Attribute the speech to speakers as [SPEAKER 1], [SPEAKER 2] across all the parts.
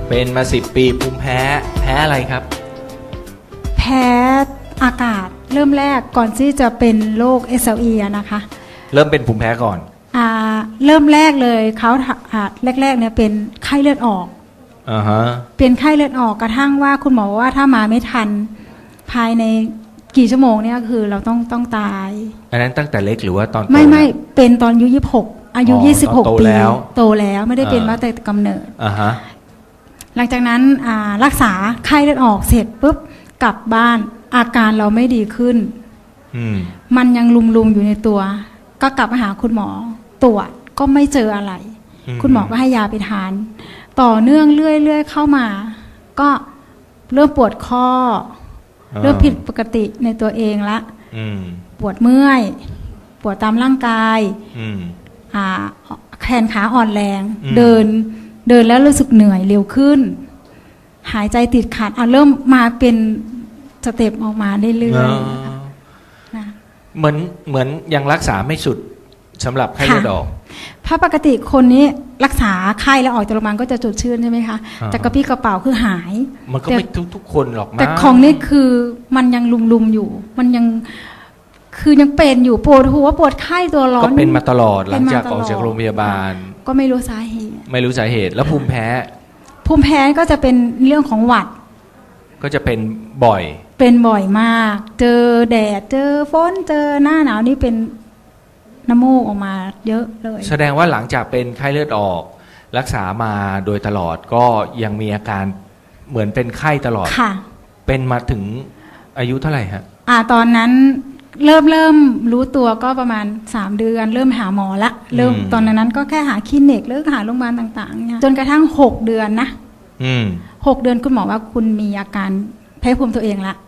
[SPEAKER 1] เป็นมา10 ปีภูมิแพ้อะไรครับ
[SPEAKER 2] แพ้อากาศเริ่มแรกก่อนที่จะเป็นโรค SLE อะนะคะ
[SPEAKER 1] เริ่มเป็นภูมิแพ้ก่อน
[SPEAKER 2] เริ่มแรกเลยเขาแรกๆเนี่ยเป็นไข้เลือดออกเป็นไข้เลือดออกกระทั่งว่าคุณหมอว่าถ้ามาไม่ทันภายในกี่ชั่วโมงเนี่ยคือเราต้องตาย
[SPEAKER 1] อันนั้นตั้งแต่เล็กหรือว่าตอน
[SPEAKER 2] ไม่เป็นตอนอายุ26อายุ26 ปีโตแล้วไม่ได้เป็นมาแต่กำเนิดหลังจากนั้นรักษาไข้เลือดออกเสร็จปุ๊บกลับบ้านอาการเราไม่ดีขึ้นมันยังลุมๆอยู่ในตัวก็กลับมาหาคุณหมอตรวจก็ไม่เจออะไรคุณหมอก็ให้ยาไปทานต่อเนื่องเรื่อยๆเข้ามาก็เริ่มปวดข้อเริ่มผิดปกติในตัวเองละปวดเมื่อยปวดตามร่างกายแขนขาอ่อนแรงเดินแล้วรู้สึกเหนื่อยเร็วขึ้นหายใจติดขัดเริ่มมาเป็นสเต็ปออกมาเรื่อยๆนะ
[SPEAKER 1] เหมือนยังรักษาไม่สุดสำหรับไข้เลือดออก
[SPEAKER 2] เพราะปกติคนนี้รักษาไข้แล้วออกจากโรงพยาบาลก็จะจุดชื่นใช่ไหมคะแต่กระปี้กระเป๋าคือหาย
[SPEAKER 1] มันก็ไม่ทุกคนหรอกนะ
[SPEAKER 2] แต่ของนี่คือมันยังลุมอยู่มันยังคือยังเป็นอยู่ปวดหัวปวดไข้ตัวร้อน
[SPEAKER 1] ก็เป็นมาตลอดหลังจากออกจากโรงพยาบาล
[SPEAKER 2] ก็ไม่รู้สาเหตุ
[SPEAKER 1] แล้วภูมิแพ้
[SPEAKER 2] ก็จะเป็นเรื่องของหวัด
[SPEAKER 1] ก็จะเป็นบ่อย
[SPEAKER 2] มากเจอแดดเจอฝนเจอหน้าหนาวนี่เป็นน้ำมูกออกมาเยอะเลย
[SPEAKER 1] แสดงว่าหลังจากเป็นไข้เลือดออกรักษามาโดยตลอดก็ยังมีอาการเหมือนเป็นไข้ตลอด
[SPEAKER 2] ค่ะ
[SPEAKER 1] เป็นมาถึงอายุเท่าไหร่ฮะ
[SPEAKER 2] ตอนนั้นเริ่มรู้ตัวก็ประมาณ3 เดือนเริ่มหาหมอละตอนนั้นก็แค่หาคลินิกหรือหาโรงพยาบาลต่างๆจนกระทั่ง6 เดือนนะ6 เดือนคุณหมอว่าคุณมีอาการแพ้ภูมิตัวเองละ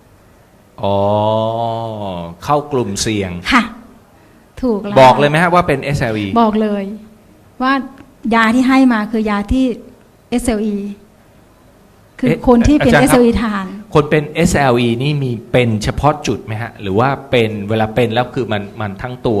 [SPEAKER 1] เข้ากลุ่มเสี่ยง
[SPEAKER 2] ค่ะถูกแล้ว
[SPEAKER 1] บอกเลยไหมฮะว่าเป็น SLE
[SPEAKER 2] บอกเลยว่ายาที่ให้มาคือยาที่ SLE คือคนที่เป็น SLE ทาน
[SPEAKER 1] คนเป็น SLE นี่มีเป็นเฉพาะจุดไหมฮะหรือว่าเป็นเวลาเป็นแล้วคือมันทั้งตัว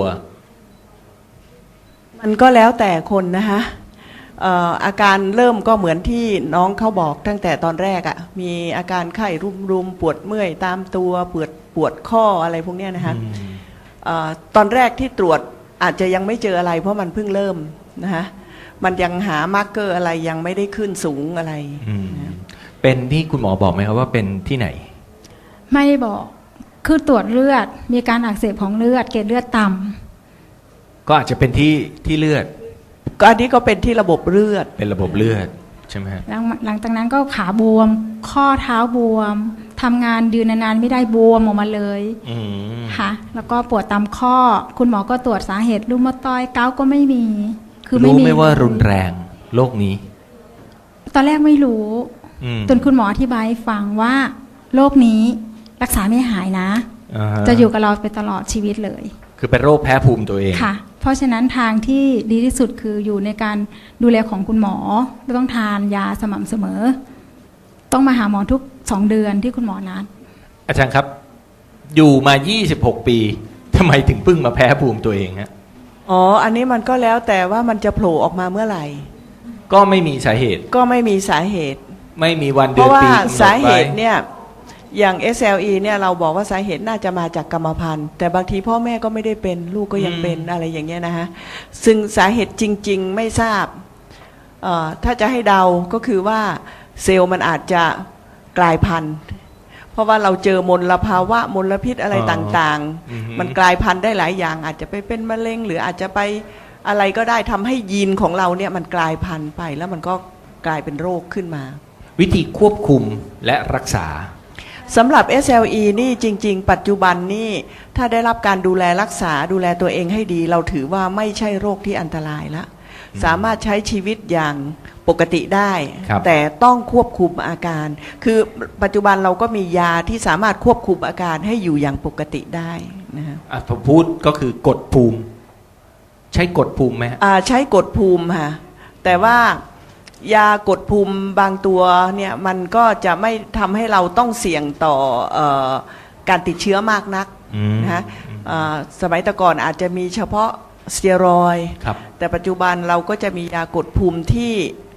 [SPEAKER 3] มันก็แล้วแต่คนนะคะอาการเริ่มก็เหมือนที่น้องเขาบอกตั้งแต่ตอนแรกอ่ะมีอาการไข้รุมปวดเมื่อยตามตัวปวดข้ออะไรพวกนี้นะคะตอนแรกที่ตรวจอาจจะยังไม่เจออะไรเพราะมันเพิ่งเริ่มนะคะมันยังหามาร์กเกอร์อะไรยังไม่ได้ขึ้นสูงอะไร
[SPEAKER 1] เป็นที่คุณหมอบอกไหมครับว่าเป็นที่ไหน
[SPEAKER 2] ไม่บอกคือตรวจเลือดมีการอักเสบของเลือดเกล็ดเลือดต่
[SPEAKER 1] ำก็อาจจะเป็นที่เลือด
[SPEAKER 3] ก็อันนี้ก็เป็นที่ระบบเลือด
[SPEAKER 1] เป็นระบบเลือดใช่ไหมฮะ
[SPEAKER 2] หลังจากนั้นก็ขาบวมข้อเท้าบวมทำงานยืนนานๆไม่ได้บวมออกมาเลยค่ะแล้วก็ปวดตามข้อคุณหมอก็ตรวจสาเหตุรูมาตอยเกาก็ไม่มี
[SPEAKER 1] คือรู้ไหมว่ารุนแรงโรคนี้
[SPEAKER 2] ตอนแรกไม่รู้จนคุณหมออธิบายให้ฟังว่าโรคนี้รักษาไม่หายนะจะอยู่กับเราไปตลอดชีวิตเลย
[SPEAKER 1] คือเป็นโรคแพ้ภูมิตัวเอง
[SPEAKER 2] ค่ะเพราะฉะนั้นทางที่ดีที่สุดคืออยู่ในการดูแลของคุณหมอต้องทานยาสม่ำเสมอต้องมาหาหมอทุก2 เดือนที่คุณหมอนัด
[SPEAKER 1] อาจารย์ครับอยู่มา26 ปีทำไมถึงเพิ่งมาแพ้ภูมิตัวเองฮะ
[SPEAKER 3] อันนี้มันก็แล้วแต่ว่ามันจะโผล่ออกมาเมื่อไหร่
[SPEAKER 1] ก็ไม่มีสาเหตุไม่มีวันเดื
[SPEAKER 3] อนปีเพราะว่าสาเหตุเนี่ยอย่าง SLE เนี่ยเราบอกว่าสาเหตุน่าจะมาจากกรรมพันธุ์แต่บางทีพ่อแม่ก็ไม่ได้เป็นลูกก็ยังเป็นอะไรอย่างเงี้ยนะฮะซึ่งสาเหตุจริงๆไม่ทราบถ้าจะให้เดาก็คือว่าเซลล์มันอาจจะกลายพันธุ์เพราะว่าเราเจอมลภาวะมลพิษอะไรต่างๆมันกลายพันธุ์ได้หลายอย่างอาจจะไปเป็นมะเร็งหรืออาจจะไปอะไรก็ได้ทำให้ยีนของเราเนี่ยมันกลายพันธุ์ไปแล้วมันก็กลายเป็นโรคขึ้นมา
[SPEAKER 1] วิธีควบคุมและรักษา
[SPEAKER 3] สำหรับ SLE นี่จริงๆปัจจุบันนี่ถ้าได้รับการดูแลรักษาดูแลตัวเองให้ดีเราถือว่าไม่ใช่โรคที่อันตรายละสามารถใช้ชีวิตอย่างปกติได้แต่ต้องควบคุมอาการคือปัจจุบันเราก็มียาที่สามารถควบคุมอาการให้อยู่อย่างปกติได้นะฮะ
[SPEAKER 1] ผมพูดก็คือกดภูมิใช้กดภูมิไหม
[SPEAKER 3] ใช้กดภูมิค่ะแต่ว่ายากดภูมิบางตัวเนี่ยมันก็จะไม่ทำให้เราต้องเสี่ยงต่อการติดเชื้อมากนักนะฮะสมัยแต่ก่อนอาจจะมีเฉพาะสเตียรอยด์แต่ปัจจุบันเราก็จะมียากดภูมิที่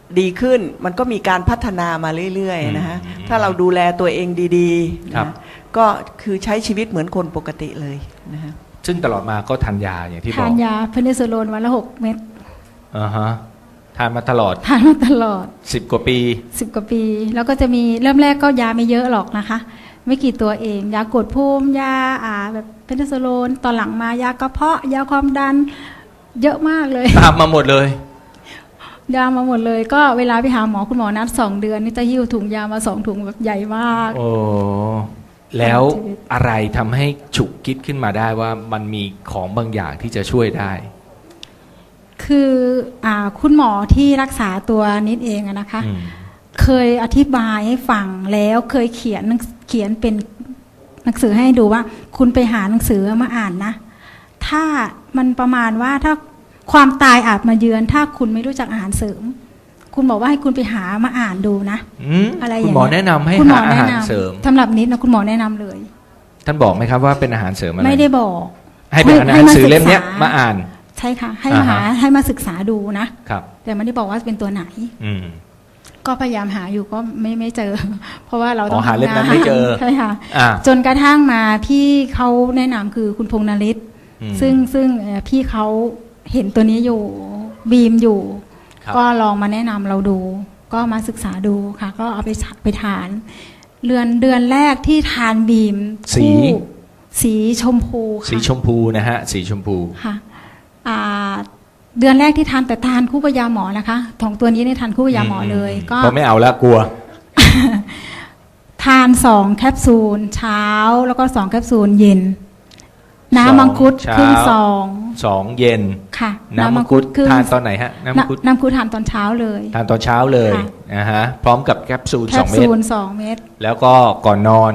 [SPEAKER 3] ดีขึ้นมันก็มีการพัฒนามาเรื่อยๆนะฮะถ้าเราดูแลตัวเองดีๆนะก็คือใช้ชีวิตเหมือนคนปกติเลยนะฮะ
[SPEAKER 1] ซึ่งตลอดมาก็ทานยาอย่างที่บอก
[SPEAKER 2] ทานยาเพนิซิลลินวันละ6 เม็ด
[SPEAKER 1] ทานมาตลอด10 กว่าปี
[SPEAKER 2] 10 กว่าปีแล้วก็จะมีเริ่มแรกก็ยาไม่เยอะหรอกนะคะไม่กี่ตัวเองยากดภูมิยาแบบเพนิซิลลินตอนหลังมายากระเพาะยาความดันเยอะมากเลย
[SPEAKER 1] ตามมาหมดเลย
[SPEAKER 2] ยามาหมดเลยก็เวลาไปหาหมอคุณหมอนัด2 เดือนนี่จะหิ้วถุงยามา2 ถุงแบบใหญ่มาก
[SPEAKER 1] โอ้แล้วอะไรทำให้ฉุกคิดขึ้นมาได้ว่ามันมีของบางอย่างที่จะช่วยได้
[SPEAKER 2] คือคุณหมอที่รักษาตัวนิดเองนะคะเคยอธิบายให้ฟังแล้วเคยเขียนเป็นหนังสือให้ดูว่าคุณไปหาหนังสือมาอ่านนะถ้ามันประมาณว่าถ้าความตายอาจมาเยือนถ้าคุณไม่รู้จักอาหารเสริมคุณบอกว่าให้คุณไปหามาอ่านดูนะอะไรอย่างเงี้ย
[SPEAKER 1] คุณหมอแนะนำให้หาอาหารเสริม
[SPEAKER 2] สำหรับนิดนะคุณหมอแนะนำเลย
[SPEAKER 1] ท่านบอกไหมครับว่าเป็นอาหารเสริมอะไร
[SPEAKER 2] ไม่ได้บอก
[SPEAKER 1] ให้เป็นหนังสือเล่มนี้มาอ่าน
[SPEAKER 2] ใช่ค่ะให้มาศึกษาดูนะครับแต่ไม่ได้บอกว่าเป็นตัวไหนก็พยายามหาอยู่ก็ไม่เจอเพราะว่าเราต้อง
[SPEAKER 1] หาเล่มนั้นไม่เจอ
[SPEAKER 2] ใช่ค่ะจนกระทั่งมาพี่เขาแนะนำคือคุณพงษ์นฤทธิ์ซึ่งพี่เขาเห็นตัวนี้อยู่บีมอยู่ก็ลองมาแนะนำเราดูก็มาศึกษาดูค่ะก็เอาไปทานเดือนแรกที่ทานบีมสีชมพู
[SPEAKER 1] สีชมพูนะฮะสีชมพู
[SPEAKER 2] ค่ะเดือนแรกที่ทานแต่ทานคู่กับยาหมอนะคะของตัวนี้เนี่ยทานคู่กับยาหมอเลยก็
[SPEAKER 1] ไม่เอาละกลัว
[SPEAKER 2] ทาน2 แคปซูลเช้าแล้วก็2 แคปซูลเย็นน้ำมังคุดครึ่งซอง
[SPEAKER 1] 2 เย็น
[SPEAKER 2] ค่ะ
[SPEAKER 1] น้ำมังคุดทานตอนไหนฮะน้ำมัง
[SPEAKER 2] คุดทานตอนเช้าเลย
[SPEAKER 1] ทานตอนเช้าเลยฮะพร้อมกับแคปซูล2 เม็ด
[SPEAKER 2] 2 เม็ด
[SPEAKER 1] แล้วก็ก่อนนอน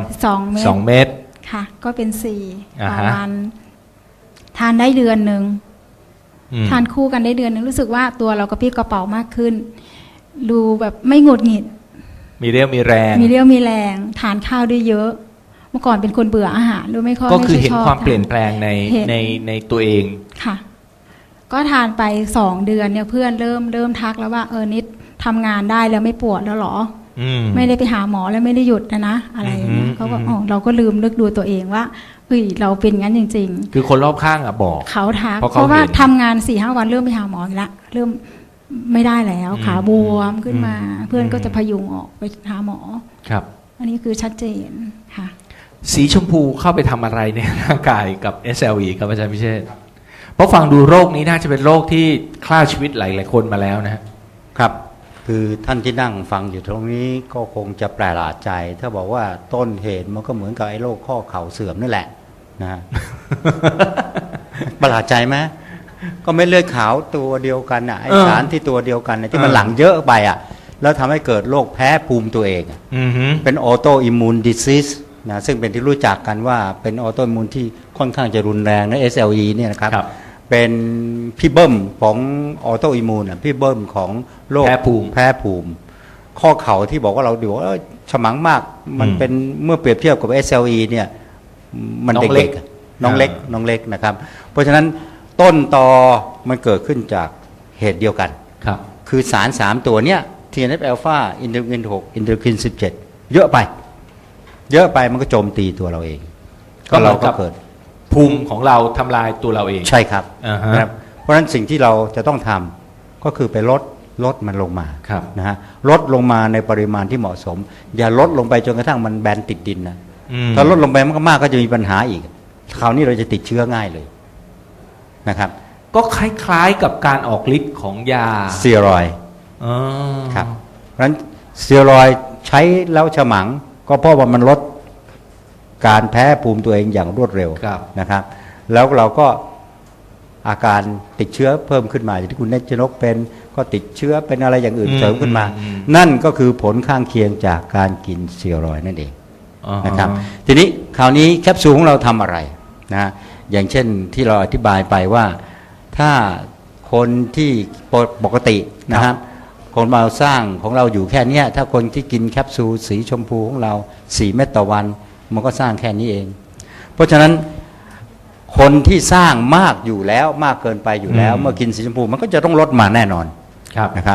[SPEAKER 1] 2 เม็ด
[SPEAKER 2] ค่ะก็เป็น4ต่อวันทานได้เดือนนึงทานคู่กันได้เดือนนึงรู้สึกว่าตัวเรากระปรี้กระเป๋ามากขึ้นดูแบบไม่หงุดหงิด
[SPEAKER 1] มีเรี่ยวมีแ
[SPEAKER 2] รงทานข้าวได้เยอะเมื่อก่อนเป็นคนเบื่ออาหารด้วยไม่ค่อย
[SPEAKER 1] ก็คือเห็นความเปลี่ยนแปลงในตัวเอง
[SPEAKER 2] ค่ะก็ทานไป2 เดือนเนี่ยเพื่อนเริ่มทักแล้วว่านิดทำงานได้แล้วไม่ปวดแล้วหรอไม่ได้ไปหาหมอแล้วไม่ได้หยุดนะอะไรอย่างเงี้ยเขาก็เราก็ลืมนึกดูตัวเองว่าเราเป็นงั้นจริง
[SPEAKER 1] ๆคือคนรอบข้างบอก
[SPEAKER 2] เขาทักเพราะว่าทำงาน 4-5 วันเริ่มไปหาหมออีกแล้วเริ่มไม่ได้แล้วขาบวมขึ้นมาเพื่อนก็จะพยุงออกไปหาหมอ
[SPEAKER 1] ครับ
[SPEAKER 2] อันนี้คือชัดเจนค่ะ
[SPEAKER 1] สีชมพูเข้าไปทำอะไรในร่างกายกับ SLE ครับอาจารย์พิเชษฐ์เพราะฟังดูโรคนี้น่าจะเป็นโรคที่ฆ่าชีวิตหลายๆคนมาแล้ว
[SPEAKER 4] นะครับคือท่านที่นั่งฟังอยู่ตรงนี้ก็คงจะแปลกใจถ้าบอกว่าต้นเหตุมันก็เหมือนกับไอ้โรคข้อเข่าเสื่อมนั่นแหละนะ ประหลาดใจไหมก็ไม่เลือดขาวตัวเดียวกันไอ้สารที่ตัวเดียวกันที่มันหลั่งเยอะไปแล้วทำให้เกิดโรคแพ้ภูมิตัวเองเป็นออโตอิมมูนดิซิสนะซึ่งเป็นที่รู้จักกันว่าเป็นออโตอิมมูนที่ค่อนข้างจะรุนแรงนะ SLE เนี่ยนะครับเป็นพี่เบิ้มของออโตอิมมูนพี่เบิ้มของโรคแพ้ภูมิข้อเข่าที่บอกว่าเราดูว่าฉมังมากมันเป็นเมื่อเปรียบเทียบกับ SLE เนี่ยมันเด็กน้องเล็กนะครับเพราะฉะนั้นต้นตอมันเกิดขึ้นจากเหตุเดียวกันคือสาร3 ตัวเนี้ย TNF อลฟาอินเทอร์คิน 6อินเทอร์คิน 17เยอะไปมันก็โจมตีตัวเราเอง
[SPEAKER 1] ก็เราก็เกิดภูมิของเราทำลายตัวเราเอง
[SPEAKER 4] ใช่ครับนะครับเพราะฉะนั้นสิ่งที่เราจะต้องทำก็คือไปลดมันลงมานะฮะลดลงมาในปริมาณที่เหมาะสมอย่าลดลงไปจนกระทั่งมันแบนติดดินนะถ้าลดลงไปมากๆก็จะมีปัญหาอีกคราวนี้เราจะติดเชื้อง่ายเลยนะครับ
[SPEAKER 1] ก็คล้ายๆกับการออกฤทธิ์ของยา
[SPEAKER 4] สเตียรอยด์ครับเพราะฉะนั้นสเตียรอยด์ใช้แล้วฉมังก็เพราะว่ามันลดการแพ้ภูมิตัวเองอย่างรวดเร็วนะครับแล้วเราก็อาการติดเชื้อเพิ่มขึ้นมาอย่างที่คุณเนชนกเป็นก็ติดเชื้อเป็นอะไรอย่างอื่นเสริมขึ้นมานั่นก็คือผลข้างเคียงจากการกินสเตียรอยด์นั่นเองนะครับทีนี้คราวนี้แคปซูลของเราทำอะไรนะอย่างเช่นที่เราอธิบายไปว่าถ้าคนที่ปกตินะครับคนเราสร้างของเราอยู่แค่นี้ถ้าคนที่กินแคปซูลสีชมพูของเรา4 เม็ดต่อวันมันก็สร้างแค่นี้เองเพราะฉะนั้นคนที่สร้างมากอยู่แล้วมากเกินไปอยู่แล้วเมื่อกินสีชมพูมันก็จะต้องลดมาแน่นอนนะครับ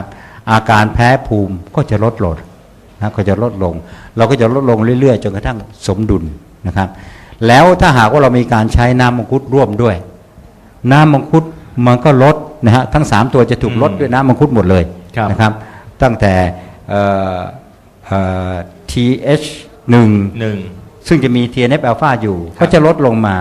[SPEAKER 4] อาการแพ้ภูมิก็จะลดลงนะก็จะลดลงเราก็จะลดลงเรื่อยๆจนกระทั่งสมดุลนะครับแล้วถ้าหากว่าเรามีการใช้น้ำมังคุดร่วมด้วยน้ำมังคุดมันก็ลดนะฮะทั้ง3ตัวจะถูกลดด้วยน้ำมังคุดหมดเลยนะครับตั้งแต่TH1 ซึ่งจะมี TNF อ l ลฟาอยู่ก็จะลดลงมา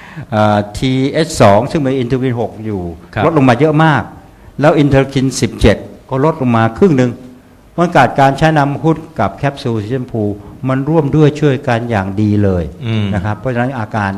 [SPEAKER 4] TH2 ซึ่งมีอินเทอร์คิน6อยู่ลดลงมาเยอะมากแล้วอินเทอร์คิน17ก็ลดลงมาครึ่งหนึ่งมันเกิดการใช้น้ำมังคุดกับแคปซูลสีชมพูมันร่วมด้วยช่วยกันอย่างดีเลยนะครับเพราะฉะนั้นอาการ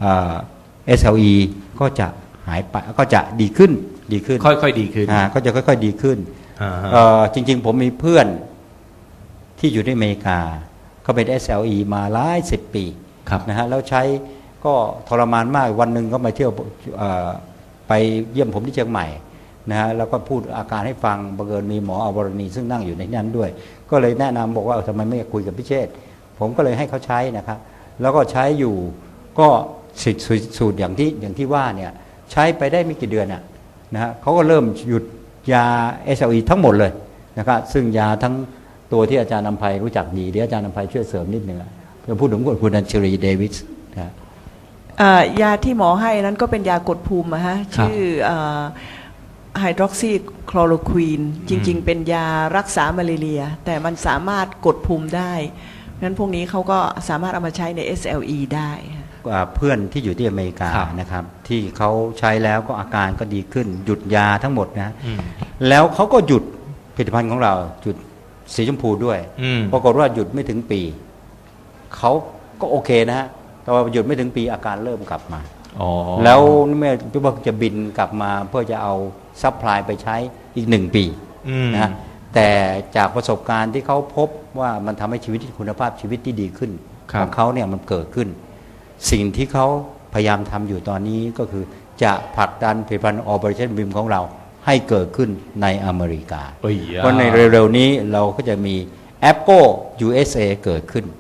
[SPEAKER 4] SLE ก็จะหายไปก็จะดีขึ้น
[SPEAKER 1] ค่อยๆดีขึ้น
[SPEAKER 4] ก็จะค่อยๆดีขึ้นจริงๆผมมีเพื่อนที่อยู่ที่อเมริกาเขาเป็น SLE มาหลาย10 ปีนะฮะแล้วใช้ก็ทรมานมากวันหนึ่งก็มาเที่ยวไปเยี่ยมผมที่เชียงใหม่นะฮะแล้วก็พูดอาการให้ฟังบังเอิญมีหมออวรณีซึ่งนั่งอยู่ในนั้นด้วยก็เลยแนะนำบอกว่าทำไมไม่คุยกับพิเชษผมก็เลยให้เขาใช้นะครับแล้วก็ใช้อยู่ก็สูตรอย่างที่ว่าเนี่ยใช้ไปได้ไม่กี่เดือนนะฮะเขาก็เริ่มหยุดยา SLE ทั้งหมดเลยนะครับซึ่งยาทั้งตัวที่อาจารย์นำไพรู้จักดีเดี๋ยวอาจารย์นำไพช่วยเสริมนิดนึงจะพูดถึงคุณอัญชลีเดวิสนะ
[SPEAKER 3] ยาที่หมอให้นั้นก็เป็นยากดภูมิชื่อไฮดรอกซีคลอโรควีนจริงๆเป็นยารักษามาลาเรียแต่มันสามารถกดภูมิได้งั้นพวกนี้เขาก็สามารถเอามาใช้ใน SLE ได้
[SPEAKER 4] เพื่อนที่อยู่ที่อเมริกานะครับที่เขาใช้แล้วก็อาการก็ดีขึ้นหยุดยาทั้งหมดนะแล้วเขาก็หยุดผลิตภัณฑ์ของเราหยุดสีชมพูด้วยปรากฏว่าหยุดไม่ถึงปีเขาก็โอเคนะฮะแต่ว่าหยุดไม่ถึงปีอาการเริ่มกลับมาแล้วเมื่อพี่บอกจะบินกลับมาเพื่อจะเอาซัพพลายไปใช้อีก1 ปีนะแต่จากประสบการณ์ที่เขาพบว่ามันทำให้ชีวิตคุณภาพชีวิตที่ดีขึ้นของเขาเนี่ยมันเกิดขึ้นสิ่งที่เขาพยายามทำอยู่ตอนนี้ก็คือจะผลักดันผลิตภัณฑ์ Operation BIM ของเราให้เกิดขึ้นในอเมริกาเพราะในเร็วๆนี้เราก็จะมี Apple USA เกิดขึ้น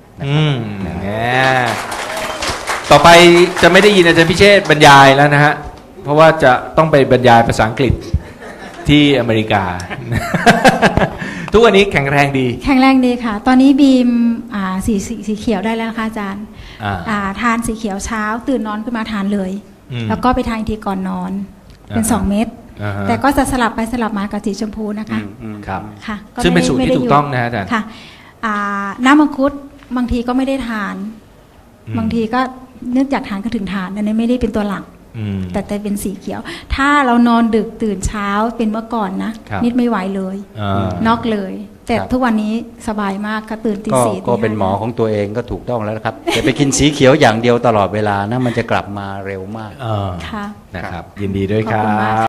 [SPEAKER 1] ต่อไปจะไม่ได้ยินอาจารย์พิเชษบรรยายแล้วนะฮะเพราะว่าจะต้องไปบรรยายภาษาอังกฤษที่อเมริกา ทุกวันนี้แข็งแรงดี
[SPEAKER 2] ค่ะตอนนี้บีมสีเขียวได้แล้วนะคะอาจารย์ทานสีเขียวเช้าตื่นนอนขึ้นมาทานเลยแล้วก็ไปทานทีก่อนนอนเป็น2 เม็ดแต่ก็จะสลับไปสลับมากับสีชมพูนะคะ
[SPEAKER 1] ครับค่ะซึ่งเป็นสูตรที่ถูกต้องนะอาจารย์
[SPEAKER 2] ค่ะน้ำมังคุดบางทีก็ไม่ได้ทานบางทีก็นึกอยากทานก็ถึงทานอันนี้ไม่ได้เป็นตัวหลักแต่เป็นสีเขียวถ้าเรานอนดึกตื่นเช้าเป็นเมื่อก่อนนะนิดไม่ไหวเลยน็อกเลยแต่ทุกวันนี้สบายมากก็ตื่นตี 4
[SPEAKER 4] ก็เป็นหมอของตัวเองก็ถูกต้องแล้วครับอย่าไปกินสีเขียวอย่างเดียวตลอดเวลานะมันจะกลับมาเร็วมาก
[SPEAKER 2] ค่ะ
[SPEAKER 1] นะครับยินดีด้วยครับ